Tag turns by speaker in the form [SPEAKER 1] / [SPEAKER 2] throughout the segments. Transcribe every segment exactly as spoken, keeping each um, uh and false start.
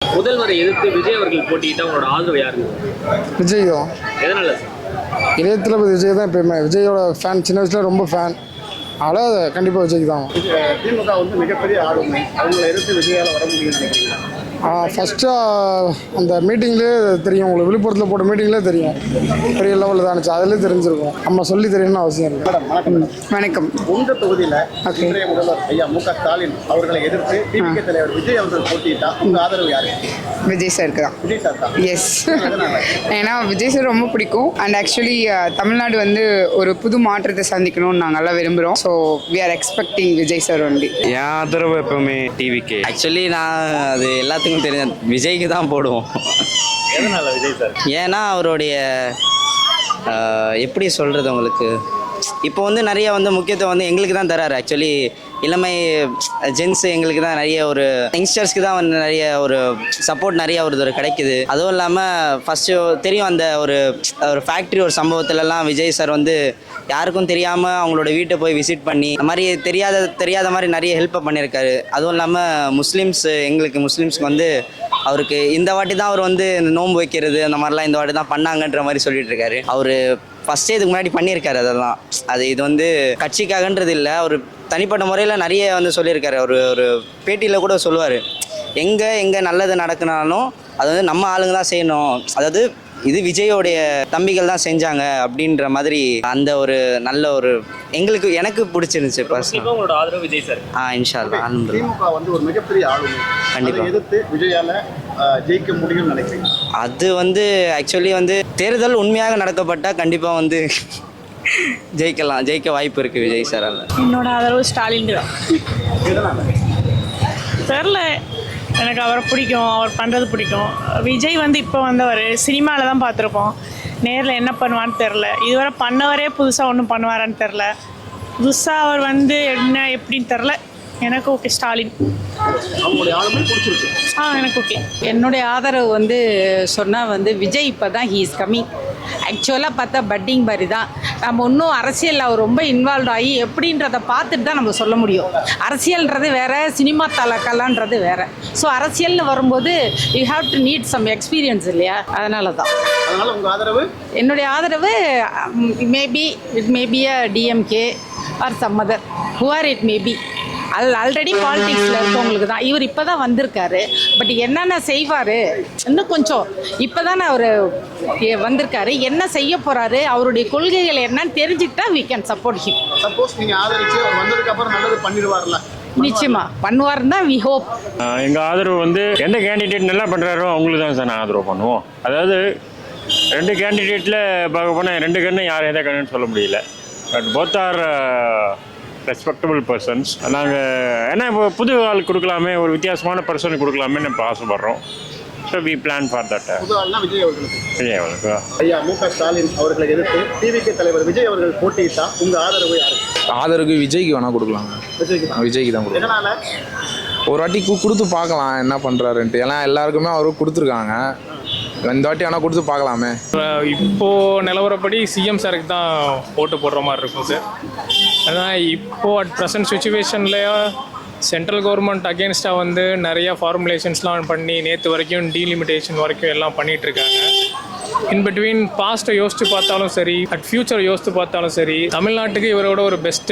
[SPEAKER 1] முதல்வரை எதிர்த்து விஜய் அவர்கள் போட்டியிட்டா உங்களோட ஆதரவு யாருக்கு?
[SPEAKER 2] விஜய் தான்.
[SPEAKER 1] எதனால?
[SPEAKER 2] இளைய தளபதி விஜய் தான் எப்பயுமே. விஜயோட ஃபேன், சின்ன வயசுல ரொம்ப ஃபேன். அதனால் கண்டிப்பாக விஜய்க்கு தான்.
[SPEAKER 3] திமுக வந்து மிகப்பெரிய ஆளுமை, அவங்களை எதிர்த்து விஜயால் வர முடியும்னு நினைக்கிறீங்களா?
[SPEAKER 2] ஃபஸ்ட்டு அந்த மீட்டிங்லேயே தெரியும், உங்களுக்கு விழுப்புரத்தில் போட்ட மீட்டிங்லேயே தெரியும் பெரிய லெவலில் தான் இருந்துச்சு. அதிலே தெரிஞ்சிருக்கும், நம்ம சொல்லி தெரியணும்னு அவசியம் இல்லை.
[SPEAKER 3] மேடம் வணக்கம்.
[SPEAKER 2] வணக்கம்.
[SPEAKER 3] உங்க தொகுதியில் இன்றைய முதல்வர் ஐயா மு க ஸ்டாலின் அவர்களை எதிர்த்து டிவிகே தலைவர் விஜய் அவர்கள் போட்டியிட்டா உங்க ஆதரவு யாரு?
[SPEAKER 4] விஜய் சாருக்கு தான்.
[SPEAKER 3] விஜய் சார் தான்.
[SPEAKER 4] எஸ். ஏன்னா விஜய் சார் ரொம்ப பிடிக்கும். அண்ட் ஆக்சுவலி தமிழ்நாடு வந்து ஒரு புது மாற்றத்தை சந்திக்கணும்னு நாங்கள்லாம் விரும்புகிறோம். So we are expecting Vijay sir only.
[SPEAKER 5] என் ஆதரவு எப்பவுமே டிவிக்கே. ஆக்சுவலி நான் அது எல்லாத்துக்கும் தெரிஞ்ச விஜய்க்கு தான் போடுவோம்.
[SPEAKER 1] எதனால விஜய் சார்?
[SPEAKER 5] ஏன்னா அவருடைய எப்படி சொல்கிறது, உங்களுக்கு இப்போ வந்து நிறைய வந்து முக்கியத்துவம் வந்து எங்களுக்கு தான் தராரு. ஆக்சுவலி இளமை ஜென்ஸ் எங்களுக்கு தான் நிறைய ஒரு யங்ஸ்டர்ஸ்க்கு தான் வந்து நிறைய ஒரு சப்போர்ட் நிறைய ஒரு கிடைக்குது. அதுவும் இல்லாமல் ஃபஸ்ட்டு தெரியும் அந்த ஒரு ஒரு ஃபேக்ட்ரி ஒரு சம்பவத்துலலாம் விஜய் சார் வந்து யாருக்கும் தெரியாமல் அவங்களோட வீட்டை போய் விசிட் பண்ணி அந்த மாதிரி தெரியாத தெரியாத மாதிரி நிறைய ஹெல்ப்பை பண்ணியிருக்காரு. அதுவும் இல்லாமல் முஸ்லீம்ஸ் எங்களுக்கு முஸ்லீம்ஸ்க்கு வந்து அவருக்கு இந்த வாட்டி தான் அவர் வந்து இந்த நோன்பு வைக்கிறது அந்த மாதிரிலாம் இந்த வாட்டி தான் பண்ணாங்கன்ற மாதிரி சொல்லிட்டு இருக்காரு. அவர் ஃபஸ்ட்டே இதுக்கு முன்னாடி பண்ணியிருக்காரு. அதெல்லாம் அது இது வந்து கட்சிக்காகன்றது இல்லை, ஒரு தனிப்பட்ட முறையில் நிறைய வந்து சொல்லியிருக்காரு. ஒரு ஒரு பேட்டியில் கூட சொல்லுவார், எங்கே எங்கே நல்லது நடக்குனாலும் அது வந்து நம்ம ஆளுங்க தான் செய்யணும், அதாவது இது விஜயோடைய தம்பிகள் தான் செஞ்சாங்க அப்படின்ற மாதிரி அந்த ஒரு நல்ல ஒரு எங்களுக்கு எனக்கு பிடிச்சிருந்துச்சு.
[SPEAKER 1] கண்டிப்பாக உங்களோட ஆதரவு விஜய் சார்.
[SPEAKER 5] ஆ இன்ஷா அல்லாஹ்.
[SPEAKER 3] திமுக வந்து ஒரு மிகப்பெரிய ஆளுமை,
[SPEAKER 5] கண்டிப்பாக
[SPEAKER 3] எதிர்த்து விஜயால ஜெயிக்க முடியும்னு நினைக்கிறீங்க?
[SPEAKER 5] அது வந்து ஆக்சுவலி வந்து தேர்தல் உண்மையாக நடக்கப்பட்டால் கண்டிப்பாக வந்து ஜெயிக்கலாம், ஜெயிக்க வாய்ப்பு இருக்குது விஜய் சாரால்.
[SPEAKER 6] என்னோட ஆதரவு ஸ்டாலின் தான். தெரில, எனக்கு அவரை பிடிக்கும், அவர் பண்ணுறது பிடிக்கும். விஜய் வந்து இப்போ வந்தவர் சினிமாவில் தான் பார்த்துருப்போம், நேரில் என்ன பண்ணுவான்னு தெரில. இதுவரை பண்ணவரே புதுசாக ஒன்றும் பண்ணுவாரான்னு தெரில. புதுசாக அவர் வந்து என்ன எப்படின்னு தெரில. எனக்கு ஓகே ஸ்டாலின்.
[SPEAKER 3] அவங்களுடைய ஆளுமை பிடிச்சிருக்கு.
[SPEAKER 6] ஆ எனக்கு ஓகே.
[SPEAKER 7] என்னுடைய ஆதரவு வந்து சொன்னால் வந்து விஜய் இப்போ தான் ஹீ இஸ் கம்மிங். ஆக்சுவலாக பார்த்தா பட்டிங் மாதிரி தான். நம்ம இன்னும் அரசியலில் அவர் ரொம்ப இன்வால்வ் ஆகி எப்படின்றத பார்த்துட்டு தான் நம்ம சொல்ல முடியும். அரசியல்ன்றது வேறு, சினிமா தலக்கலான்றது வேறு. ஸோ அரசியல்னு வரும்போது you have to need some experience இல்லையா, அதனால தான்.
[SPEAKER 3] அதனால் உங்கள் ஆதரவு?
[SPEAKER 7] என்னுடைய ஆதரவு maybe it maybe a DMK or some other who are it maybe. அது ஆல்ரெடி பாலிடிக்ஸில் இருக்கவங்களுக்கு தான். இவர் இப்போ தான் வந்திருக்காரு, பட் என்னென்ன செய்வார் இன்னும் கொஞ்சம் இப்போ தானே அவர் வந்திருக்காரு, என்ன செய்ய போகிறாரு, அவருடைய கொள்கைகள் என்னன்னு தெரிஞ்சுக்கிட்டா we can support him.
[SPEAKER 3] Suppose நீங்கள் ஆதரிச்சு அவர் வந்ததுக்கு அப்புறம் நல்லது பண்ணிடுவார்ல?
[SPEAKER 7] நிச்சயமா பண்ணுவாருன்னு தான் வி ஹோப்.
[SPEAKER 8] எங்கள் ஆதரவு வந்து எந்த கேண்டிடேட் நல்லா பண்ணுறாரோ அவங்களுக்கு தான் சார் நான் ஆதரவு பண்ணுவோம். அதாவது ரெண்டு கேண்டிடேட்டில் பார்க்க போனால் ரெண்டு கண்ணு யார் எதை கண்ணுன்னு சொல்ல முடியல. But both are respectable persons. நாங்கள் ஏன்னா இப்போ புது ஆள் கொடுக்கலாமே, ஒரு வித்தியாசமான பர்சனுக்கு கொடுக்கலாமே நம்ம ஆசைப்படுறோம். So we plan for that.
[SPEAKER 3] புது ஆள்னா விஜய் அவர்களுக்கு.
[SPEAKER 8] விஜய் அவர்களுக்கு.
[SPEAKER 3] ஐயா மு க ஸ்டாலின் அவர்களை எதிர்த்து டிவிகே தலைவர் விஜய் அவர்கள் போட்டியிட்டா உங்கள் ஆதரவு யாருக்கு?
[SPEAKER 9] ஆதரவு விஜய்க்கு வேணால் கொடுக்கலாங்க.
[SPEAKER 3] விஜய்க்கு தான்.
[SPEAKER 9] விஜய்க்கு தான் கொடுக்கலாம்.
[SPEAKER 3] எதனால?
[SPEAKER 9] ஒரு வாட்டி கொடுத்து பார்க்கலாம் என்ன பண்ணுறாருன்ட்டு. ஏன்னா எல்லாருக்குமே அவரும் கொடுத்துருக்காங்க, இந்த வாட்டி ஆனால் கொடுத்து பார்க்கலாமே.
[SPEAKER 10] இப்போது நிலவரப்படி சிஎம் சாருக்கு தான் ஓட்டு போடுற மாதிரி இருக்கும் சார். அதான் இப்போது அட் ப்ரெசன்ட் சுச்சுவேஷனில் சென்ட்ரல் கவர்மெண்ட் அகேன்ஸ்டாக வந்து நிறையா ஃபார்முலேஷன்ஸ்லாம் பண்ணி நேற்று வரைக்கும் டீலிமிட்டேஷன் வரைக்கும் எல்லாம் பண்ணிகிட்ருக்காங்க. இன் பிட்வீன் பாஸ்ட்டை யோசித்து பார்த்தாலும் சரி, அட் ஃப்யூச்சர் யோசித்து பார்த்தாலும் சரி, தமிழ்நாட்டுக்கு இவரோட ஒரு பெஸ்ட்டு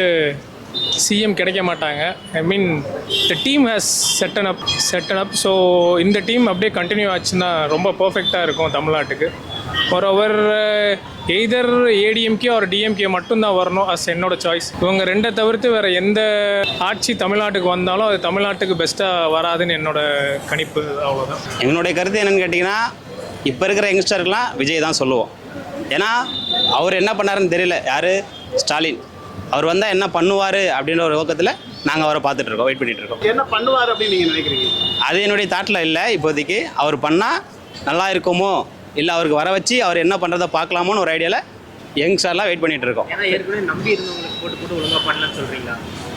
[SPEAKER 10] சிஎம் கிடைக்க மாட்டாங்க. I mean the team has setten up setten up so இந்த டீம் அப்படியே கண்டினியூ ஆச்சுன்னா ரொம்ப பர்ஃபெக்டாக இருக்கும் தமிழ்நாட்டுக்கு. மோரோவர் எய்தர் ஏடிஎம்கே ஒரு டிஎம்கே மட்டும்தான் வரணும் அஸ் என்னோட சாய்ஸ். இவங்க ரெண்டை தவிர்த்து வேறு எந்த ஆட்சி தமிழ்நாட்டுக்கு வந்தாலும் அது தமிழ்நாட்டுக்கு பெஸ்ட்டாக வராதுன்னு என்னோட கணிப்பு. அவ்வளோதான்
[SPEAKER 5] என்னுடைய கருத்து. என்னென்னு கேட்டிங்கன்னா, இப்போ இருக்கிற யங்ஸ்டருக்கெலாம் விஜய் தான் சொல்லுவோம். ஏன்னா அவர் என்ன பண்ணாருன்னு தெரியல. யார்? ஸ்டாலின். அவர் வந்தால் என்ன பண்ணுவார் அப்படின்ற ஒரு நோக்கத்தில் நாங்கள் அவரை பார்த்துட்ருக்கோம், வெயிட் பண்ணிகிட்ருக்கோம்.
[SPEAKER 3] என்ன பண்ணுவார் அப்படின்னு நீங்கள் நினைக்கிறீங்க?
[SPEAKER 5] அது என்னுடைய தாட்டில் இல்லை இப்போதைக்கு. அவர் பண்ணால் நல்லா இருக்குமோ, இல்லை அவருக்கு வர வச்சு அவர் என்ன பண்ணுறதை பார்க்கலாமோன்னு ஒரு ஐடியாவில் யங்ஸ்டர்லாம் வெயிட் பண்ணிகிட்டு இருக்கோம்.
[SPEAKER 1] ஏன்னா ஏற்கனவே நம்பி இருந்தவங்களுக்கு போட்டு போட்டு ஒழுங்காக பண்ணலன்னு சொல்கிறீங்களா?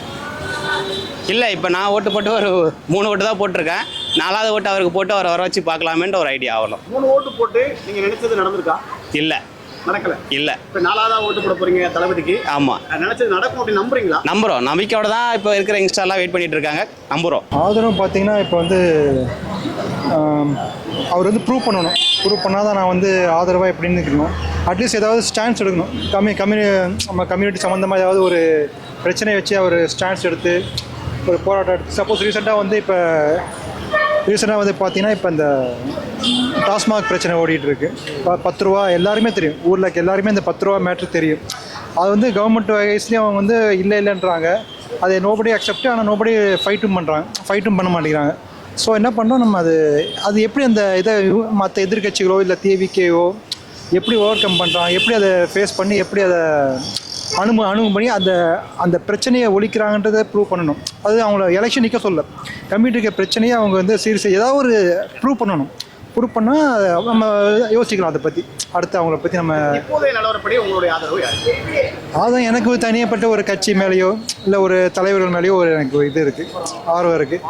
[SPEAKER 5] இல்லை, இப்போ நான் ஓட்டு போட்டு ஒரு மூணு ஓட்டு தான் போட்டிருக்கேன். நாலாவது ஓட்டு அவருக்கு போட்டு அவரை வர வச்சு பார்க்கலாமேன்ற ஒரு ஐடியா. அவ்வளோ.
[SPEAKER 3] மூணு ஓட்டு போட்டு நீங்கள் நினைச்சது நடந்திருக்கா?
[SPEAKER 5] இல்லை,
[SPEAKER 3] நடக்கல
[SPEAKER 11] இல்லை.
[SPEAKER 3] இப்போ நாலாவதா ஓட்டு போட போறீங்க தளபதிக்கு.
[SPEAKER 11] ஆமாம்,
[SPEAKER 3] நினைச்சது நடக்கும் அப்படின்னு நம்புறீங்களா?
[SPEAKER 11] நம்புகிறோம். நம்பிக்கையோட தான் இப்போ இருக்கிற யங்ஸ்டர்லாம் வெயிட் பண்ணிட்டு இருக்காங்க. நம்புகிறோம்.
[SPEAKER 12] ஆதரவு பார்த்தீங்கன்னா இப்போ வந்து ஆம், அவர் வந்து ப்ரூவ் பண்ணணும். ப்ரூவ் பண்ணால் தான் நான் வந்து ஆதரவாக எப்படின்னு இருக்கணும். அட்லீஸ்ட் ஏதாவது ஸ்டாண்ட்ஸ் எடுக்கணும். கம்மி கம்யூனி நம்ம கம்யூனிட்டி சம்மந்தமாக ஏதாவது ஒரு பிரச்சனையை வச்சு அவர் ஸ்டாண்ட்ஸ் எடுத்து ஒரு போராட்டம் எடுத்து சப்போஸ் ரீசெண்டாக வந்து இப்போ ரீசெண்டாக வந்து பார்த்தீங்கன்னா இப்போ இந்த டாஸ்மாக் பிரச்சனை ஓடிட்டுருக்கு. இப்போ பத்து ரூபா எல்லாருமே தெரியும், ஊரில் இருக்க எல்லாருமே இந்த பத்து ரூபா மேட்ரு தெரியும். அது வந்து கவர்மெண்ட் வயசுலேயும் அவங்க வந்து இல்லை இல்லைன்றாங்க. அதை நோபடி அக்செப்ட், ஆனால் நோபடி ஃபைட்டும் பண்ணுறாங்க, ஃபைட்டும் பண்ண மாட்டேங்கிறாங்க. ஸோ என்ன பண்ணோம் நம்ம, அது அது எப்படி அந்த இதை மற்ற எதிர்கட்சிகளோ இல்லை தேவிக்கையோ எப்படி ஓவர் கம் பண்ணுறாங்க, எப்படி அதை ஃபேஸ் பண்ணி எப்படி அதை அணுமு அணுகும் பண்ணி அந்த அந்த பிரச்சனையை ஒழிக்கிறாங்கன்றதை ப்ரூவ் பண்ணணும். அது அவங்கள எலெக்ஷன் நிற்க சொல்ல, கம்யூனிட்டிக்கு பிரச்சனையை அவங்க வந்து சீரியஸாக ஏதாவது ஒரு ப்ரூவ் பண்ணணும். ப்ரூவ் பண்ணால் நம்ம யோசிக்கலாம் அதை பற்றி, அடுத்து அவங்கள பற்றி நம்ம.
[SPEAKER 3] இப்போதைய நிலவரப்படி உங்களுடைய ஆதரவு யார்?
[SPEAKER 12] அதான் எனக்கு தனியப்பட்ட ஒரு கட்சி மேலேயோ இல்லை ஒரு தலைவர்கள் மேலேயோ ஒரு எனக்கு இது இருக்குது, ஆர்வம் இருக்குது.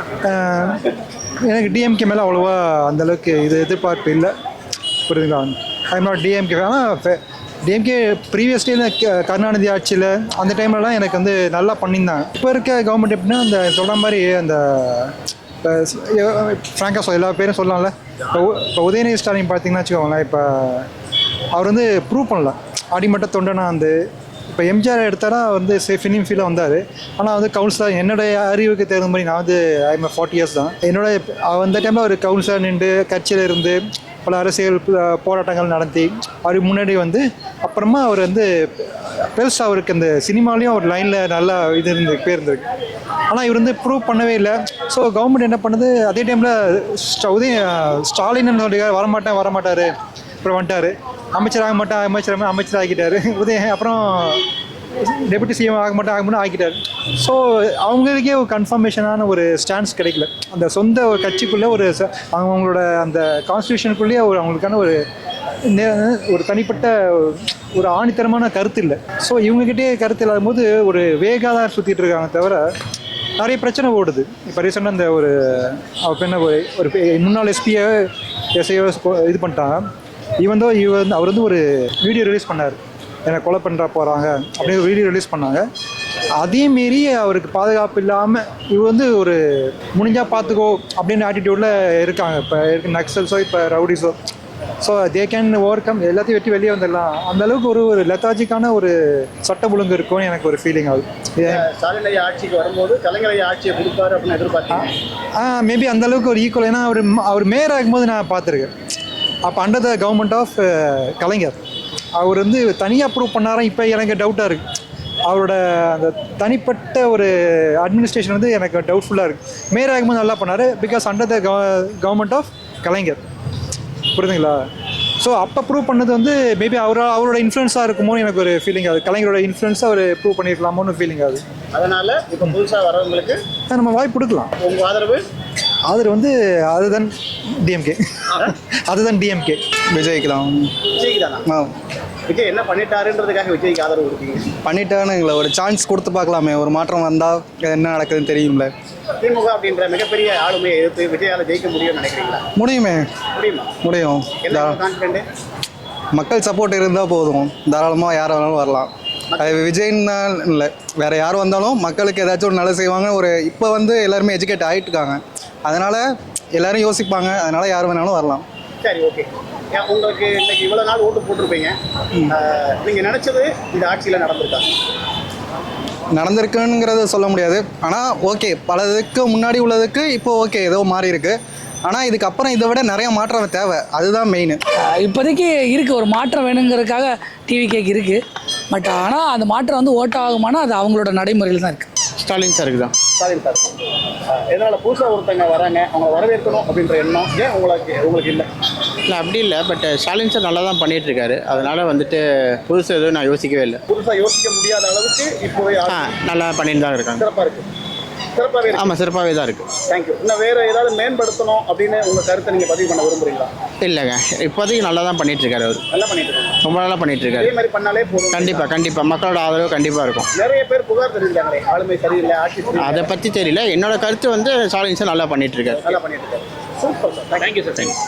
[SPEAKER 12] எனக்கு டிஎம்கே மேலே அவ்வளோவா அந்தளவுக்கு இது எதிர்பார்ப்பு இல்லை, புரியுதுங்களா? I am not DMK. ஆனால் டிஎம்கே ப்ரீவியஸ்லி இந்த கருணாநிதி ஆட்சியில் அந்த டைம்லலாம் எனக்கு வந்து நல்லா பண்ணியிருந்தாங்க. இப்போ இருக்க கவர்மெண்ட் எப்படின்னா அந்த சொல்கிற மாதிரி அந்த இப்போ ஃப்ராங்காக சொல் எல்லா பேரும் சொல்லலாம்ல. இப்போ இப்போ உதயநிதி ஸ்டாலின் பார்த்தீங்கன்னா வச்சுக்கோங்களேன், இப்போ அவர் வந்து ப்ரூவ் பண்ணல. அடிமட்ட தொண்டனா வந்து இப்போ எம்ஜிஆர் எடுத்தாரா வந்து சே ஃபிலிம் ஃபீலாக வந்தார். ஆனால் வந்து கவுன்சிலர் என்னுடைய அறிவுக்கு தகுந்த மாதிரி நான் வந்து ஐம் ஃபார்ட்டி இயர்ஸ் தான். என்னோட அந்த டைமில் ஒரு கவுன்சிலர் நின்று கட்சியில் இருந்து பல அரசியல் போராட்டங்கள் நடத்தி அவருக்கு முன்னாடி வந்து அப்புறமா அவர் வந்து பெருசாக அவருக்கு அந்த சினிமாலேயும் ஒரு லைனில் நல்லா இது இருந்து பேர் இருந்திருக்கு. ஆனால் இவர் வந்து ப்ரூவ் பண்ணவே இல்லை. ஸோ கவர்மெண்ட் என்ன பண்ணுது, அதே டைமில் உதய ஸ்டாலின் சொல்லி வரமாட்டேன் வரமாட்டார், அப்புறம் வந்துட்டார். அமைச்சர் ஆக மாட்டேன் அமைச்சர் அமைச்சர் ஆகிட்டார். உதய அப்புறம் டெபுட்டி சிஎம் ஆக மாட்டேன் ஆக மாட்டேன் ஆகிட்டார். ஸோ அவங்களுக்கே ஒரு கன்ஃபர்மேஷனான ஒரு ஸ்டாண்ட்ஸ் கிடைக்கல. அந்த சொந்த ஒரு கட்சிக்குள்ளே ஒரு அவங்களோட அந்த கான்ஸ்டியூஷனுக்குள்ளேயே ஒரு அவங்களுக்கான ஒரு ஒரு தனிப்பட்ட ஒரு ஆணித்தரமான கருத்து இல்லை. ஸோ இவங்ககிட்டே கருத்து இல்லாத போது ஒரு வேகாக தான் சுற்றிட்டு இருக்காங்க தவிர நிறைய பிரச்சனை ஓடுது. இப்போ ரீசெண்டாக இந்த ஒரு அவர் என்ன ஒரு முன்னாள் எஸ்பியை எஸ்ஐயோ இது பண்ணிட்டாங்க. இவன் தான் இவ வந்து அவர் வந்து ஒரு வீடியோ ரிலீஸ் பண்ணார், என்னை கொலை பண்ணுறா போகிறாங்க அப்படின்னு வீடியோ ரிலீஸ் பண்ணாங்க. அதே மீறி அவருக்கு பாதுகாப்பு இல்லாமல் இவ வந்து ஒரு முடிஞ்சால் பார்த்துக்கோ அப்படின்னு ஆட்டிடியூடில் இருக்காங்க. இப்போ இருக்கு நக்சல்ஸோ இப்போ ரவுடிஸோ. So they can overcome, எல்லாத்தையும் வெட்டி வெளியே வந்துடலாம். அந்தளவுக்கு ஒரு ஒரு லெத்தாஜிக்கான ஒரு சட்ட ஒழுங்கு இருக்கும்னு எனக்கு ஒரு ஃபீலிங் ஆகுது.
[SPEAKER 3] ஸ்டாலின் ஐயா ஆட்சிக்கு வரும்போது கலைஞர் ஐயா ஆட்சியை கொடுப்பாரு அப்படின்னு எதிர்பார்த்தேன்.
[SPEAKER 12] ஆ மேபி அந்தளவுக்கு ஒரு ஈக்குவல். ஏன்னா அவர் அவர் மேயர் ஆகும்போது நான் பார்த்துருக்கேன். அப்போ under the government of Kalaignar அவர் வந்து தனியாக ப்ரூவ் பண்ணாரா இப்போ எனக்கு டவுட்டாக இருக்குது. அவரோட அந்த தனிப்பட்ட ஒரு அட்மினிஸ்ட்ரேஷன் வந்து எனக்கு டவுட்ஃபுல்லாக இருக்குது. மேயர் ஆகும்போது நல்லா பண்ணார், because under the government of Kalaignar, புரியுதுங்களா? ஸோ அப்போ ப்ரூவ் பண்ணது வந்து மேபி அவரோட அவரோட இன்ஃப்ளூயன்ஸாக இருக்குமோன்னு எனக்கு ஒரு ஃபீலிங் ஆகுது. கலைஞரோட இன்ஃப்ளூயன்ஸாக அவர் ப்ரூவ் பண்ணியிருக்கலாமோன்னு ஃபீலிங் ஆகுது.
[SPEAKER 3] அதனால் இப்போ புதுசாக வரவங்களுக்கு
[SPEAKER 12] நம்ம வாய்ப்பு கொடுக்கலாம்.
[SPEAKER 3] உங்கள் ஆதரவு
[SPEAKER 12] ஆதரவு வந்து அதுதான் டிஎம்கே, அதுதான் டிஎம்கே விஜய்க்கு தான்.
[SPEAKER 3] விஜய்க்கு தானா? விஜய் என்ன பண்ணிட்டாருன்றதுக்காக விஜய்க்கு ஆதரவு கொடுப்பீங்க?
[SPEAKER 12] பண்ணிட்டான்னு எங்களை ஒரு சான்ஸ் கொடுத்து பார்க்கலாமே, ஒரு மாற்றம் வந்தால் என்ன நடக்குதுன்னு தெரியும்ல.
[SPEAKER 3] திமுக அப்படின்ற மிகப்பெரிய ஆளுமையை எதிர்த்து விஜயால ஜெயிக்க முடியும்னு நினைக்கிறீங்களா?
[SPEAKER 12] முடியுமே,
[SPEAKER 3] முடியுமா?
[SPEAKER 12] முடியும்.
[SPEAKER 3] கான்ஃபிடென்ட்,
[SPEAKER 12] மக்கள் சப்போர்ட் இருந்தால் போதும், தாராளமாக யார் வேணாலும் வரலாம். அது விஜய்னா இல்லை, வேறு யார் வந்தாலும் மக்களுக்கு ஏதாச்சும் ஒரு நல்லது செய்வாங்க. ஒரு இப்போ வந்து எல்லாருமே எஜுகேட் ஆகிட்டு இருக்காங்க, அதனால் எல்லோரும் யோசிப்பாங்க, அதனால் யார் வேணாலும் வரலாம்.
[SPEAKER 3] சரி, ஓகே. உங்களுக்கு இன்னைக்கு இவ்வளோ நாள் ஓட்டு போட்டிருப்பீங்க, நீங்கள் நினச்சது இந்த ஆட்சியில் நடந்திருக்கா?
[SPEAKER 12] நடந்திருக்குங்கிறத சொல்ல முடியாது. ஆனால் ஓகே, பலதுக்கு முன்னாடி உள்ளதுக்கு இப்போ ஓகே ஏதோ மாறி இருக்கு. ஆனால் இதுக்கப்புறம் இதை விட நிறைய மாற்றம் தேவை, அதுதான் மெயின்.
[SPEAKER 13] இப்போதைக்கு இருக்குது, ஒரு மாற்றம் வேணுங்கிறதுக்காக டிவி கேக் இருக்குது. பட் ஆனால் அந்த மாற்றம் வந்து ஓட்ட ஆகுமானா அது அவங்களோட நடைமுறையில் தான் இருக்குது.
[SPEAKER 12] ஸ்டாலின் சாருக்கு தான்.
[SPEAKER 3] ஸ்டாலின் சார் எதனால் புதுசாக ஒருத்தங்க வராங்க, அவங்களை வரவேற்கணும் அப்படின்ற எண்ணம் ஏன் உங்களுக்கு உங்களுக்கு இல்லை?
[SPEAKER 14] இல்லை அப்படி இல்லை, பட் ஸ்டாலின் சார் நல்லா தான் பண்ணிகிட்டு இருக்காரு. அதனால் வந்துட்டு புதுசாக எதுவும் நான் யோசிக்கவே இல்லை.
[SPEAKER 3] புதுசாக யோசிக்க முடியாத அளவுக்கு இப்போவே
[SPEAKER 14] ஆ நல்லா பண்ணிட்டு தான் இருக்காங்க.
[SPEAKER 3] சிறப்பாக இருக்குது. சிறப்பாகவே இருக்கு.
[SPEAKER 14] ஆமாம், சிறப்பாகவே தான் இருக்குது.
[SPEAKER 3] தேங்க்யூ. இன்னும் வேறு ஏதாவது மேம்படுத்தணும் அப்படின்னு உங்கள் கருத்தை நீங்கள் பதிவு பண்ண விரும்புகிறீங்களா?
[SPEAKER 14] இல்லைங்க, இப்போதைக்கு நல்லா தான் பண்ணிட்டு இருக்காரு. அவர்
[SPEAKER 3] நல்லா பண்ணிட்டு இருக்காங்க,
[SPEAKER 14] ரொம்ப நல்லா பண்ணிட்டு இருக்காரு.
[SPEAKER 3] இதே மாதிரி பண்ணாலே போதும்.
[SPEAKER 14] கண்டிப்பாக கண்டிப்பாக மக்களோட ஆதரவு கண்டிப்பாக இருக்கும்.
[SPEAKER 3] நிறைய பேர் புகார் தெரிவிக்கிறாங்களே, ஆளுமை சரியில்லை, ஆட்சி சரியில்லை.
[SPEAKER 14] அதை பற்றி தெரியல, என்னோட கருத்து வந்து ஸ்டாலின் சார் நல்லா பண்ணிட்டு இருக்காரு.
[SPEAKER 3] நல்லா பண்ணிட்டு இருக்காரு. Super sir, thank you sir. Thank you.